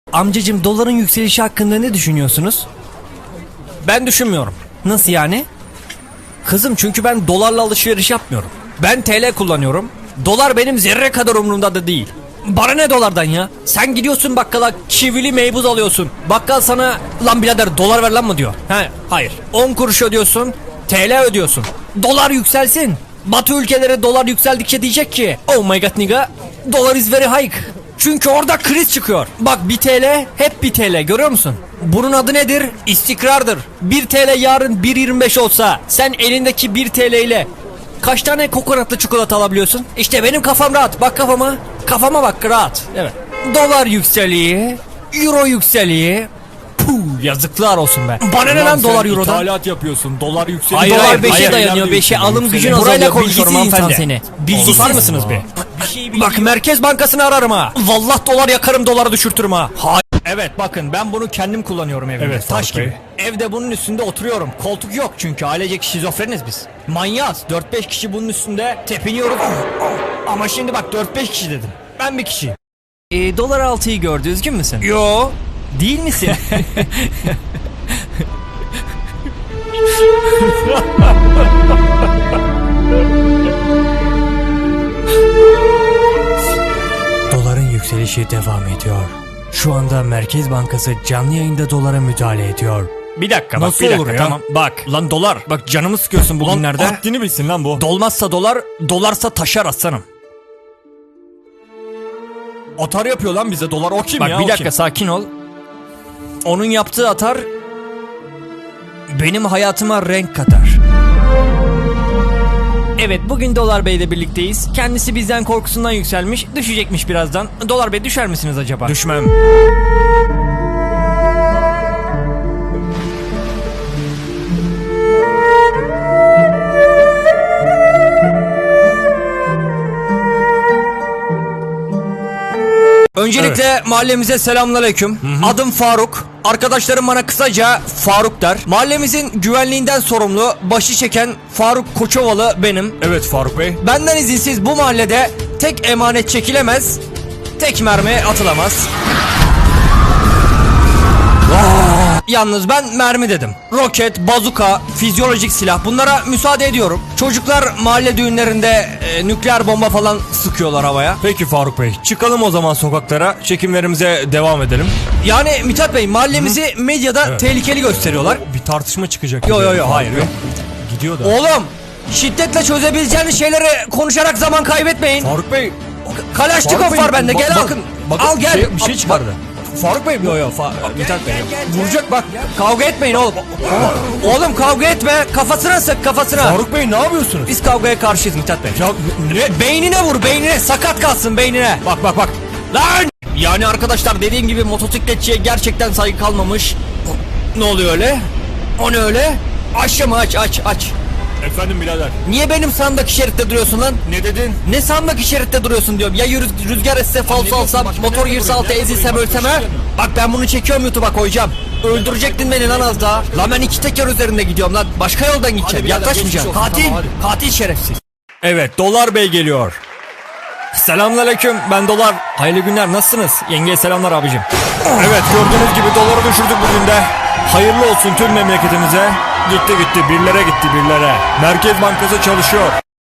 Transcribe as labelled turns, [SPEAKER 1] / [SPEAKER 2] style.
[SPEAKER 1] Amcacım, doların yükselişi hakkında ne düşünüyorsunuz? Ben düşünmüyorum. Nasıl yani? Kızım, çünkü ben dolarla alışveriş yapmıyorum. Ben TL kullanıyorum. Dolar benim zerre kadar umurumda da değil. Bana ne dolardan ya? Sen gidiyorsun bakkala, çivili meybuz alıyorsun. Bakkal sana lan birader dolar ver lan mı diyor. Hayır. 10 kuruş ödüyorsun, TL ödüyorsun. Dolar yükselsin. Batı ülkeleri dolar yükseldikçe diyecek ki oh my god nigga, dolar is very high. Çünkü orada kriz çıkıyor. Bak, 1 TL hep 1 TL, görüyor musun? Bunun adı nedir? İstikrardır. 1 TL yarın 1.25 olsa sen elindeki 1 TL ile kaç tane kokonatlı çikolata alabiliyorsun? İşte benim kafam rahat. Bak kafama. Kafama bak, rahat. Evet. Dolar yükseliyor. Euro yükseliyor. Puh, yazıklar olsun be. Bana ne lan dolar eurodan?
[SPEAKER 2] İthalat yapıyorsun. Dolar yükseliyor.
[SPEAKER 1] Hayır, dolar 5'e dayanıyor. 5'e alım gücün azalıyor. Burayla konuşuyorum hanımefendi. Seni.
[SPEAKER 2] Susar mısınız be?
[SPEAKER 1] Bak, Merkez Bankası'nı ararım ha. Vallahi dolar yakarım, doları düşürtürüm ha. Evet, bakın ben bunu kendim kullanıyorum evimde.
[SPEAKER 2] Evet,
[SPEAKER 1] taş
[SPEAKER 2] Faruk
[SPEAKER 1] gibi. Evde bunun üstünde oturuyorum. Koltuk yok çünkü ailecek şizofreniz biz. Manyağız. 4-5 kişi bunun üstünde tepiniyoruz. Ama şimdi bak, 4-5 kişi dedim. Ben bir kişiyim. Dolar 6'yı gördü, üzgün müsün? Yo. Değil misin? Doların yükselişi devam ediyor. Şu anda Merkez Bankası canlı yayında dolara müdahale ediyor. Bir dakika bak,
[SPEAKER 2] Nasıl
[SPEAKER 1] bir dakika,
[SPEAKER 2] olur ya?
[SPEAKER 1] tamam. Bak lan dolar, bak canımı sıkıyorsun bugünlerde.
[SPEAKER 2] Lan haddini bilsin lan bu.
[SPEAKER 1] Dolmazsa dolar, dolarsa taşar aslanım.
[SPEAKER 2] Atar yapıyor lan bize dolar, o kim
[SPEAKER 1] Bak
[SPEAKER 2] ya?
[SPEAKER 1] bir
[SPEAKER 2] o
[SPEAKER 1] dakika,
[SPEAKER 2] kim?
[SPEAKER 1] sakin ol. Onun yaptığı atar benim hayatıma renk katar. Evet, bugün Dolar Bey ile birlikteyiz. Kendisi bizden korkusundan yükselmiş, düşecekmiş birazdan. Dolar Bey, düşer misiniz acaba?
[SPEAKER 2] Düşmem.
[SPEAKER 1] Öncelikle mahallemize selamünaleyküm. Adım Faruk. Arkadaşlarım bana kısaca Faruk der. Mahallemizin güvenliğinden sorumlu, başı çeken Faruk Koçovalı benim.
[SPEAKER 2] Evet Faruk Bey.
[SPEAKER 1] Benden izinsiz bu mahallede tek emanet çekilemez, tek mermi atılamaz. Yalnız ben mermi dedim. Roket, bazuka, fizyolojik silah, bunlara müsaade ediyorum. Çocuklar mahalle düğünlerinde nükleer bomba falan sıkıyorlar havaya.
[SPEAKER 2] Peki Faruk Bey, çıkalım o zaman sokaklara, çekimlerimize devam edelim.
[SPEAKER 1] Yani Mithat Bey, mahallemizi medyada tehlikeli gösteriyorlar.
[SPEAKER 2] Bir tartışma çıkacak.
[SPEAKER 1] Yo,
[SPEAKER 2] gibi.
[SPEAKER 1] yo, yo,
[SPEAKER 2] Faruk
[SPEAKER 1] hayır,
[SPEAKER 2] Bey.
[SPEAKER 1] yok.
[SPEAKER 2] Gidiyor da.
[SPEAKER 1] Oğlum, şiddetle çözebileceğiniz şeyleri konuşarak zaman kaybetmeyin.
[SPEAKER 2] Faruk Bey.
[SPEAKER 1] Kalaşnikov
[SPEAKER 2] Faruk Bey,
[SPEAKER 1] var bende, gel al.
[SPEAKER 2] bakın
[SPEAKER 1] Al gel.
[SPEAKER 2] Bir şey çıkardı. Faruk Bey.
[SPEAKER 1] Yo, Mithat Bey.
[SPEAKER 2] Vuracak bak.
[SPEAKER 1] Kavga etmeyin oğlum. Oğlum kavga etme. Kafasına sık, kafasına.
[SPEAKER 2] Faruk Bey ne yapıyorsunuz?
[SPEAKER 1] Biz kavgaya karşıyız Mithat Bey.
[SPEAKER 2] Ya ne?
[SPEAKER 1] Beynine vur, beynine. Sakat kalsın beynine.
[SPEAKER 2] Bak.
[SPEAKER 1] Lan! Yani arkadaşlar, dediğim gibi motosikletçiye gerçekten saygı kalmamış. Ne oluyor öyle? O ne öyle? Aç mı, aç.
[SPEAKER 2] Efendim birader.
[SPEAKER 1] Niye benim sağımdaki şeritte duruyorsun lan?
[SPEAKER 2] Ne dedin?
[SPEAKER 1] Ne sağımdaki şeritte duruyorsun diyorum. Ya rüzgar esse, falso alsam, motor girse alta, ezilsem, ölsem ha? Bak ben bunu çekiyorum, YouTube'a koyacağım. Öldürecektin beni lan az daha. Lan ben 2 teker üzerinde gidiyorum lan. Başka yoldan gideceğim.
[SPEAKER 2] birader,
[SPEAKER 1] Yaklaşmayacağım.
[SPEAKER 2] geçmiş olsun,
[SPEAKER 1] Katil.
[SPEAKER 2] tamam,
[SPEAKER 1] Katil şerefsiz.
[SPEAKER 2] Evet, Dolar Bey geliyor.
[SPEAKER 1] Selamünaleyküm, ben Dolar. Hayırlı günler, nasılsınız? Yengeye selamlar abicim.
[SPEAKER 2] Evet, gördüğünüz gibi doları düşürdük bugün de. Hayırlı olsun tüm memleketimize. Gitti birlere gitti birlere. Merkez Bankası çalışıyor.